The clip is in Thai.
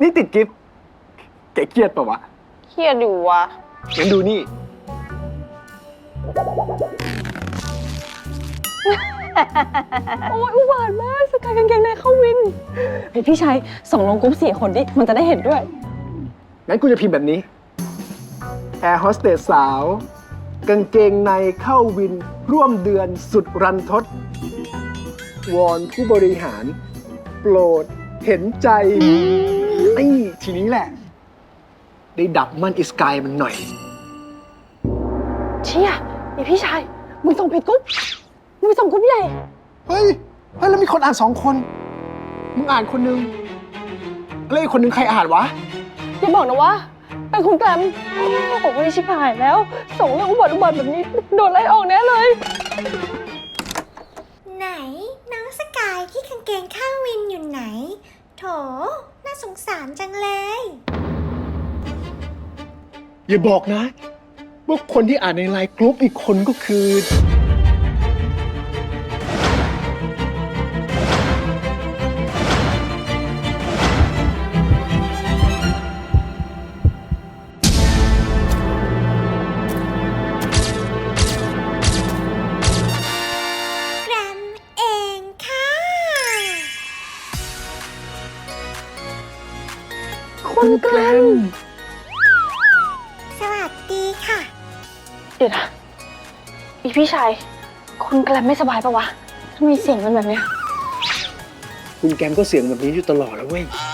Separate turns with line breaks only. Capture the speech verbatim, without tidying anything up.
นี่ติดกิฟต์แกเครียดปะวะ
เครียดอยู่วะ
งั้นดูนี่
โอ้ยอุบาทมากสกายกางเกงในเข้าวินเฮ้ยพี่ชัยส่งลงกรุ๊ปสี่คนดิ มันจะได้เห็นด้วย
งั้นกูจะพิมพ์แบบนี้ แอร์โฮสเตสสาว กางเกงในเข้าวิน ร่วมเดือนสุดรันทด วอนผู้บริหาร โปรดเห็นใจไอ้ทีนี้แหละ ได้ดับมันอิสกายมันหน่อย
เชี่ยไอพี่ชัยมึงส่งผิดกรุ๊ปมึงไปส่งกรุ๊ปใหญ่
เฮ้ย เฮ้ย แล้วมีคนอ่านสองคน มึงอ่านคนนึงแล้วอีกคนนึงใครอ่านวะ
อย่าบอกนะว่าเป็นคุณแกรมโอ้ยชิบหายแล้ว ส่งเรื่องอุบัติอุบัติแบบนี้ โดนไล่ออกแน่เลย
ไหนน้องสกายที่กางเกงข้างวินอยู่ไหน โถ น่าสงสารจังเลย
อย่าบอกนะว่าคนที่อ่านในไลน์กรุ๊ปอีกคนก็คือ
แกรมเองค่ะ
คุณแกรม
สวัสดีค่ะ
เดี๋ยวนะอีพี่ชัยคุณแกรมไม่สบายปะวะทำไมเสียงมันแบบเนี้ย
คุณแกมก็เสียงแบบนี้อยู่ตลอดแล้วเว้ย